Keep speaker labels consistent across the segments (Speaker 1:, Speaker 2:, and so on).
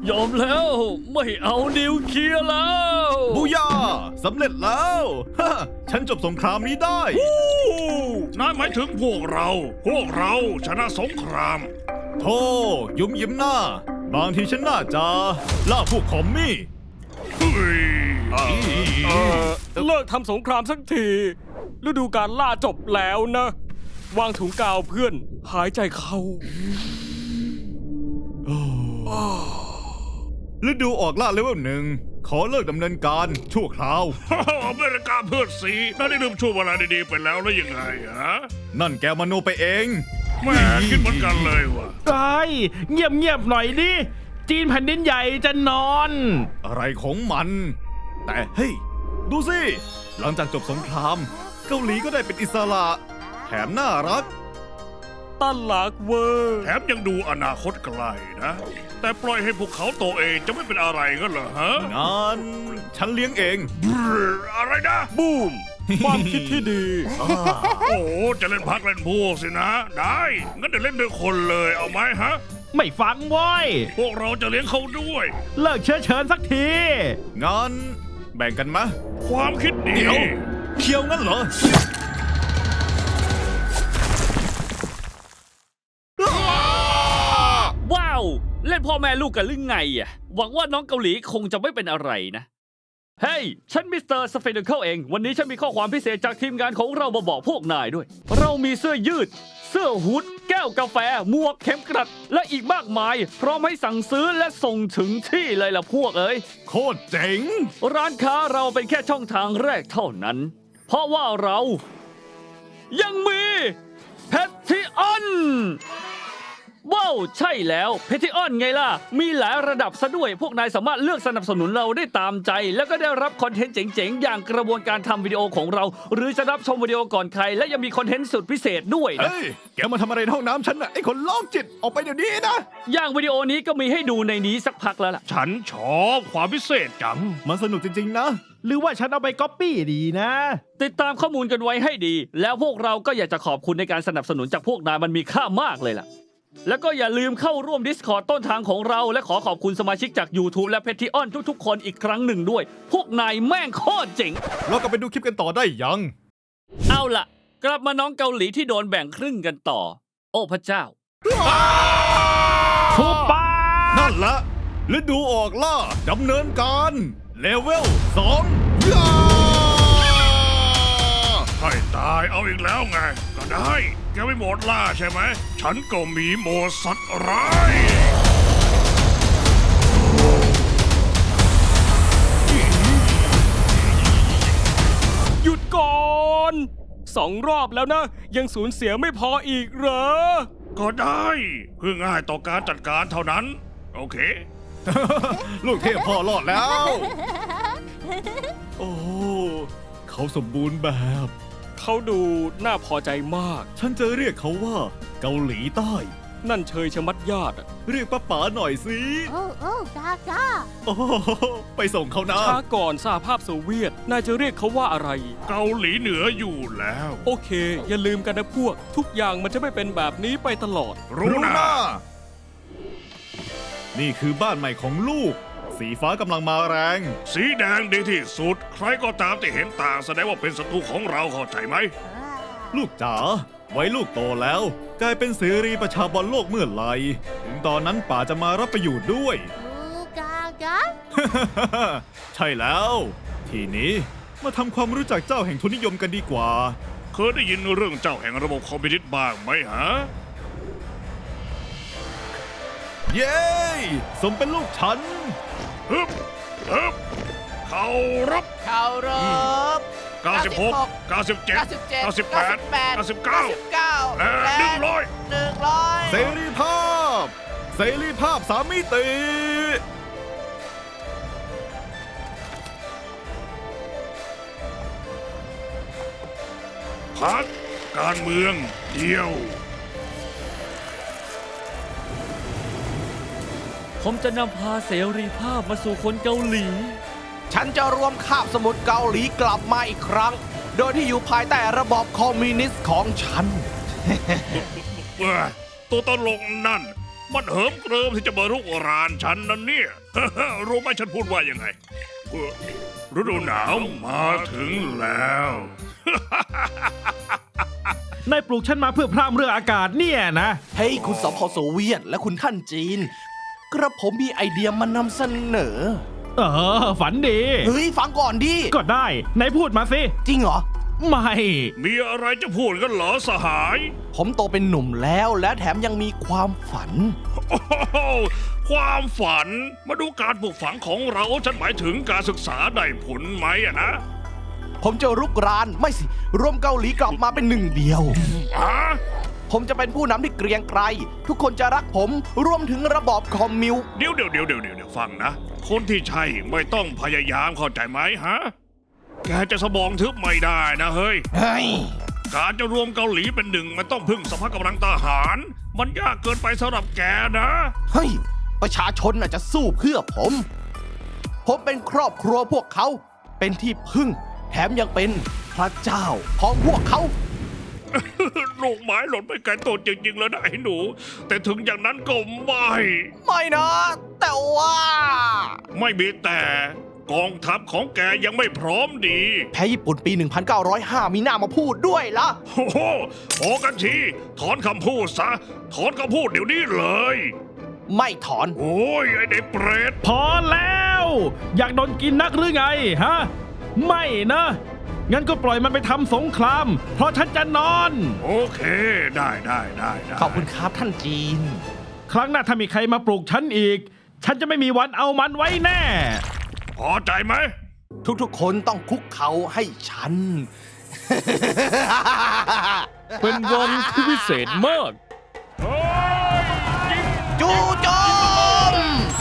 Speaker 1: ยอมแล้วไม่เอานิวเคลียร์แล้ว
Speaker 2: บูย่าสำเร็จแล้วฮะฉันจบสงครามนี้ได้
Speaker 3: นั่นหมายถึงพวกเราชนะสงคราม
Speaker 2: โธ่ยุ่มยิ้มหน้า บางทีฉันน่าจะล่าพวกคอมมี่
Speaker 3: เฮ้ย
Speaker 4: เลิกทำสงครามสักทีฤดูการล่าจบแล้วนะ วางถุงกาวเพื่อนหายใจเข้า
Speaker 2: ฤดูออกล่าเลเวล1ขอเลิกดำเนินการชั่วคราว
Speaker 3: อเมริกาเพื่อนสีน่าได้ลืมช่วงเวลาดีๆไปแล้วแล้วยังไงฮะ
Speaker 2: นั่นแกมโนไปเอง
Speaker 3: แม่คิดเหมือนกันเลยว่ะ
Speaker 5: ไอ้เงียบๆหน่อยดิ จีนแผ่นดินใหญ่จะนอน
Speaker 2: อะไรของมัน แต่เฮ้ย ดูสิ หลังจากจบสงคราม เกาหลีก็ได้เป็นอิสระแถมน่ารัก
Speaker 4: ตั้นหลักเวอร์
Speaker 3: แถมยังดูอนาคตไกลนะ แต่ปล่อยให้พวกเขาโตเองจะไม่เป็นอะไรกันเหรอฮะ
Speaker 2: งั้นฉันเลี้ยงเอง
Speaker 3: อะไรนะ
Speaker 4: บูม ความคิดที่ดี
Speaker 3: โอ้จะเล่นพักเล่นพวกสินะ ได้งั้นเดี๋ยวเล่นด้วยคนเลยเอาไหมฮะ
Speaker 5: ไม่ฟังเว้ย
Speaker 3: พวกเราจะเลี้ยงเขาด้วย
Speaker 5: เลิกเชื้อเชิญสักที
Speaker 2: งั้นแบ่งกันมะ
Speaker 3: ความคิดดี
Speaker 2: เดี๋ยวเคียวงั้นเหรอ
Speaker 1: ว้าว เล่นพ่อแม่ลูกกันหรือไงอ่ะหวังว่าน้องเกาหลีคงจะไม่เป็นอะไรนะ เฮ้ย ฉันมิสเตอร์สเฟนเคิลเอง วันนี้ฉันมีข้อความพิเศษจากทีมงานของเรามาบอกพวกนายด้วย เรามีเสื้อยืด เสื้อฮูดแก้วกาแฟหมวกเข็มกลัด และอีกมากมาย พร้อมให้สั่งซื้อและส่งถึงที่เลยล่ะพวกเอ้ย
Speaker 2: โคตรเจ๋ง
Speaker 1: ร้านค้าเราเป็นแค่ช่องทางแรกเท่านั้น เพราะว่าเรายังมีแพทิออนว้าวใช่แล้วแพทิออนไงล่ะ มีหลายระดับซะด้วย พวกนายสามารถเลือกสนับสนุนเราได้ตามใจ แล้วก็ได้รับคอนเทนต์เจ๋งๆ อย่างกระบวนการทำวิดีโอของเรา หรือจะรับชมวิดีโอก่อนใคร และยังมีคอนเทนต์สุดพิเศษด้วยนะ
Speaker 2: เฮ้ย แกมาทำอะไรในห้องน้ำฉันน่ะ ไอ้คนโรคจิต ออกไปเดี๋ยวนี้นะ
Speaker 1: อย่างวิดีโอนี้ก็มีให้ดูในนี้สักพักแล้วล่ะ
Speaker 3: ฉันชอบความพิเศษจัง
Speaker 2: มันสนุกจริงๆนะ
Speaker 5: หรือว่าฉันเอาไปก๊อปปี้ดีนะ
Speaker 1: ติดตามข้อมูลกันไว้ให้ดี แล้วพวกเราก็อยากจะขอบคุณในการสนับสนุนจากพวกนายมันมีค่ามากเลยล่ะ แล้วก็อย่าลืมเข้าร่วม Discord ต้นทางของเรา และขอขอบคุณสมาชิกจาก YouTube และ Patreon ทุกๆ คนอีกครั้งหนึ่งด้วย พวกนายแม่งโคตรเจ๋ง
Speaker 2: เรากลับไปดูคลิปกันต่อได้ยัง
Speaker 1: เอาล่ะ กลับมาน้องเกาหลีที่โดนแบ่งครึ่งกันต่อ โอ้พระเจ้า
Speaker 5: ทุบปา
Speaker 2: นั่นละฤดูออกล่าดำเนินการเลเวล2ย่า
Speaker 3: ให้ตายเอาอีกแล้วไง ก็ได้ แกไม่หมดล่าใช่ไหม ฉันก็มีโหมดสัตว์ร้าย
Speaker 4: หยุดก่อน2 รอบแล้วนะ ยังสูญเสียไม่พออีกเหรอ
Speaker 3: ก็ได้เพื่อง่ายต่อการจัดการเท่านั้น โอเค
Speaker 2: ลูกเทพพ่อรอดแล้ว โอ้ เขาสมบูรณ์แบบ
Speaker 4: เขาดูน่าพอใจมาก
Speaker 2: ฉันจะเรียกเขาว่าเกาหลีใต้
Speaker 4: นั่นเชยชะมัดญาติอะ
Speaker 2: เรียกป้าป๋าหน่อยสิ
Speaker 6: โอ้โอ้จ้าจ้า
Speaker 2: โอ้โหไปส่งเขานะ
Speaker 4: ช้าก่อนสหภาพโซเวียต นายจะเรียกเขาว่าอะไร
Speaker 3: เกาหลีเหนืออยู่แล้ว
Speaker 4: โอเค อย่าลืมกันนะพวก ทุกอย่างมันจะไม่เป็นแบบนี้ไปตลอด
Speaker 3: รู้นะ
Speaker 2: นี่คือบ้านใหม่ของลูก สีฟ้ากำลังมาแรง
Speaker 3: สีแดงดีที่สุด ใครก็ตามที่เห็นต่างแสดงว่าเป็นศัตรูของเราเข้าใจไหม
Speaker 2: ลูกจ๋า ไว้ลูกโตแล้ว กลายเป็นเสรีประชาบอลโลกเมื่อไหร่ ถึงตอนนั้นป๋าจะมารับไปอยู่ด้วย
Speaker 6: อูกากา
Speaker 2: ใช่แล้ว ทีนี้มาทำความรู้จักเจ้าแห่งทุนนิยมกันดีกว่า
Speaker 3: เคยได้ยินเรื่องเจ้าแห่งระบบคอมพิวเตอร์บ้างไหมฮะ
Speaker 2: เย้ สมเป็นลูกฉัน
Speaker 3: ฮึบฮึบเขารับ
Speaker 7: เคารพ
Speaker 3: 96 97 98 99 และ100
Speaker 2: เสรีภาพ เสรีภาพ3 มิติ
Speaker 3: พักการเมืองเดียว
Speaker 1: ผมจะนำพาเสรีภาพมาสู่คนเกาหลี
Speaker 7: ฉันจะรวมคาบสมุทรเกาหลีกลับมาอีกครั้ง โดยที่อยู่ภายใต้ระบอบคอมมิวนิสต์ของฉัน
Speaker 3: ตัวตลกนั่นมันเหิมเกริมที่จะมารุกรานฉันนั่นเนี่ย รู้ไหมฉันพูดว่ายังไงฤดูหนาวมาถึงแล้ว
Speaker 5: นายปลูกฉันมาเพื่อพร่ำเรื่องอากาศเนี่ยนะ
Speaker 7: เฮ้ยคุณสพโซเวียตและคุณท่านจีน กระผมมีไอเดียมานำเสนอ
Speaker 5: ฝันดี
Speaker 7: เฮ้ย ฟังก่อนดิ
Speaker 5: ก็ได้นายพูดมาสิ
Speaker 7: จริงเหรอ
Speaker 5: ไม่
Speaker 3: มีอะไรจะพูดกันเหรอสหาย
Speaker 7: ผมโตเป็นหนุ่มแล้วและแถมยังมีความฝัน
Speaker 3: โอ้โหความฝันมาดูการปลูกฝังของเราฉันหมายถึงการศึกษาได้ผลไหมอะนะ
Speaker 7: ผมจะรุกรานไม่สิรวมเกาหลีกลับมาเป็นหนึ่งเดียว
Speaker 3: ฮะ
Speaker 7: ผมจะเป็นผู้นำที่เกรียงไกรทุกคนจะรักผมรวมถึงระบอบคอมมิว
Speaker 3: เดี๋ยวฟังนะ คนที่ใช่ไม่ต้องพยายามเข้าใจไหมฮะ แกจะสมองทึบไม่ได้นะเฮ้ย
Speaker 7: เฮ้ย
Speaker 3: การจะรวมเกาหลีเป็นหนึ่งมันต้องพึ่งสภาพกำลังทหาร มันยากเกินไปสำหรับแกนะ
Speaker 7: เฮ้ย ประชาชนน่ะจะสู้เพื่อผม ผมเป็นครอบครัวพวกเขา เป็นที่พึ่ง แถมยังเป็นพระเจ้าของพวกเขา
Speaker 3: ลูกไม้หล่นไปไกลตัวจริงๆแล้วนะไอ้หนู แต่ถึงอย่างนั้นก็ไม่
Speaker 7: ไม่นะ แต่ว่า
Speaker 3: ไม่มีแต่กองทัพของแกยังไม่พร้อมดี
Speaker 7: แพ้ญี่ปุ่นปี 1905 มีหน้ามาพูดด้วยล่ะ
Speaker 3: โอ้โหพอกันทีถอนคำพูดซะ ถอนคำพูดเดี๋ยวนี้เลย
Speaker 7: ไม่ถอน
Speaker 3: โอ้ยไอ้เด็กเปรต
Speaker 5: พอแล้ว อยากโดนกินนักหรือไงฮะ ไม่นะ งั้นก็ปล่อยมันไปทำสงคราม เพราะฉันจะนอน
Speaker 3: โอเคได้
Speaker 7: ขอบคุณครับท่านจีน
Speaker 5: ครั้งหน้าถ้ามีใครมาปลูกฉันอีก ฉันจะไม่มีวันเอามันไว้แน่
Speaker 3: พอใจไหม
Speaker 7: ทุกๆ คนต้องคุกเขาให้ฉัน
Speaker 4: เป็นวันที่พิเศษมาก
Speaker 7: จูโจม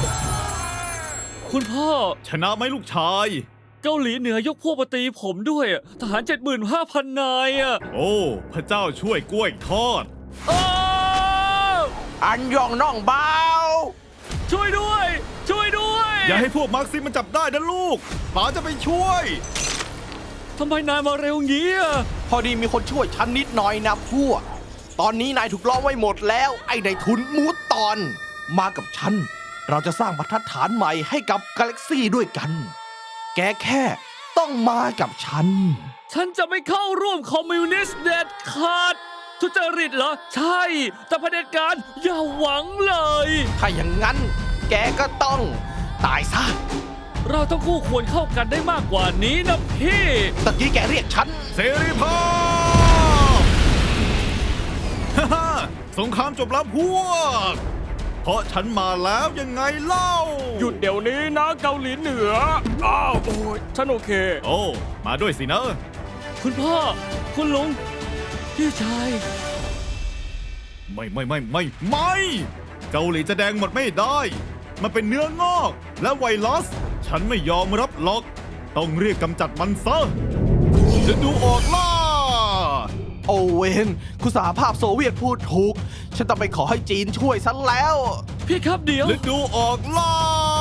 Speaker 1: คุณพ่อ
Speaker 2: ชนะไหมลูกชาย
Speaker 1: เกาหลีเหนือยกพวกมาตีผมด้วยอะทหาร 75,000 นายอะ
Speaker 2: โอ้ พระเจ้าช่วยกล้วยทอด
Speaker 1: อ้าว
Speaker 7: อันยองน่องเบา
Speaker 1: ช่วยด้วย ช่วยด้วย
Speaker 2: อย่าให้พวกมาร์กซิมมันจับได้นะลูกป๋าจะไปช่วย
Speaker 1: ทำไมนายมาเร็วงี้อะ
Speaker 7: พอดีมีคนช่วยฉันนิดหน่อยนะพวก ตอนนี้นายถูกล้อมไว้หมดแล้ว ไอ้นายทุนมูดตอน มากับฉัน เราจะสร้างบรรทัดฐานใหม่ให้กับกาแล็กซี่ด้วยกัน แกแค่ต้องมากับฉัน
Speaker 1: ฉันจะไม่เข้าร่วมคอมมิวนิสต์เด็ดขาด ทุจริตเหรอ ใช่ แต่เผด็จการอย่าหวังเลย
Speaker 7: ถ้าอย่างนั้น แกก็ต้องตายซะ
Speaker 1: เราต้องคู่ควรเข้ากันได้มากกว่านี้นะพี่
Speaker 7: ตะกี้แกเรียกฉัน
Speaker 2: เสรีภาพ ฮ่าฮ่าสงครามจบแล้วพวก เพราะฉันมาแล้วยังไงเล่า
Speaker 4: หยุดเดี๋ยวนี้นะเกาหลีเหนือ อ้าว โอ้ยฉันโอเค
Speaker 2: โอ้ มาด้วยสินะ
Speaker 1: คุณพ่อ คุณลุง พี่ชาย
Speaker 2: ไม่ เกาหลีจะแดงหมดไม่ได้ มันเป็นเนื้องอก และไวรัส ฉันไม่ยอมรับหรอก ต้องเรียกกำจัดมันซะจะดูออกล่า
Speaker 7: โอเวนคุณสหภาพโซเวียตพูดถูก ฉันต้องไปขอให้จีนช่วยฉันแล้ว
Speaker 1: พี่ครับเดี๋ยว
Speaker 2: ฤดูออกล่า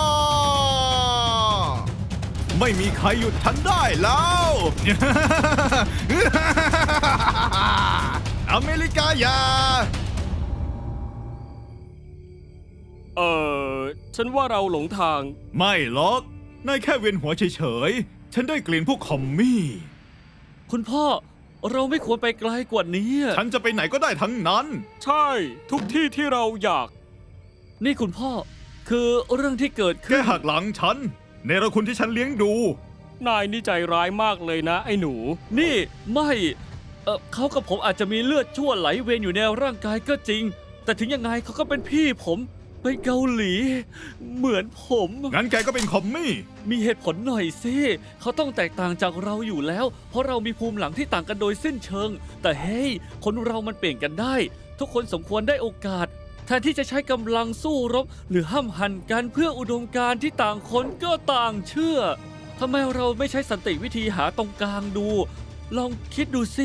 Speaker 2: ไม่มีใครหยุดฉันได้แล้ว อเมริกาอย่า
Speaker 4: ฉันว่าเราหลงทาง
Speaker 2: ไม่หรอก นายแค่เวียนหัวเฉยๆ ฉันได้กลิ่นพวกคอมมี่
Speaker 1: คุณพ่อ เราไม่ควรไปไกลกว่านี้อะ
Speaker 2: ฉันจะไปไหนก็ได้ทั้งนั้น
Speaker 4: ใช่ ทุกที่ที่เราอยาก
Speaker 1: นี่คุณพ่อ คือเรื่องที่เกิด
Speaker 2: แก
Speaker 1: ขึ้น
Speaker 2: หักหลังฉัน ในระคุณที่ฉันเลี้ยงดู
Speaker 4: นายนี่ใจร้ายมากเลยนะ ไอ้หนู
Speaker 1: นี่ไม่เขากับผมอาจจะมีเลือดชั่วไหลเวียนอยู่ในร่างกายก็จริง แต่ถึงยังไงเขาก็เป็นพี่ผมเป็นเกาหลี เหมือนผม
Speaker 2: งั้นแกก็เป็นคอมมี่
Speaker 1: มีเหตุผลหน่อยสิเขาต้องแตกต่างจากเราอยู่แล้ว เพราะเรามีภูมิหลังที่ต่างกันโดยสิ้นเชิง แต่เฮ้ยคนเรามันเปลี่ยนกันได้ ทุกคนสมควรได้โอกาสแทนที่จะใช้กำลังสู้รบ หรือห้ามหันกันเพื่ออุดมการณ์ที่ต่างคนก็ต่างเชื่อทำไมเราไม่ใช้สันติวิธีหาตรงกลางดู ลองคิดดูสิ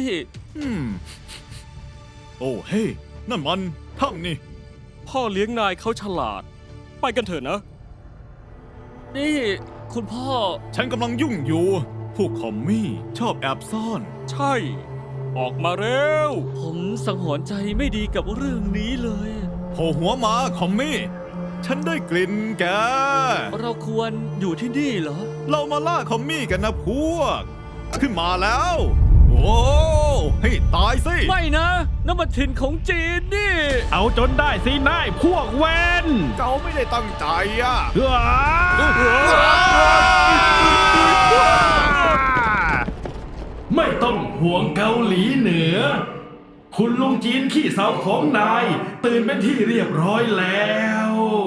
Speaker 2: โอ้เฮ้ยนั่นมันถ้ำนี่
Speaker 4: พ่อเลี้ยงนายเขาฉลาด ไปกันเถอะนะ
Speaker 1: นี่คุณพ่อ
Speaker 2: ฉันกำลังยุ่งอยู่ พวกคอมมี่ชอบแอบซ่อน
Speaker 4: ใช่ ออกมาเร็ว
Speaker 1: ผมสังหรณ์ใจไม่ดีกับเรื่องนี้เลย
Speaker 2: โผล่หัวมาคอมมี่ ฉันได้กลิ่นแก
Speaker 1: เราควรอยู่ที่นี่เหรอ
Speaker 2: เรามาล่าคอมมี่กันนะพวก ขึ้นมาแล้ว โอ้ให้ตายสิ
Speaker 1: ไม่นะน้ำมันถิ่นของจีนนี่
Speaker 5: เอาจนได้สินายพวกเวน
Speaker 2: เขาไม่ได้ตั้งใจอ่ะ
Speaker 5: ไม่ต้องห่วงเกาหลีเหนือ คุณลุงจีนขี้เสาของนาย ตื่นเป็นที่เรียบร้อยแล้ว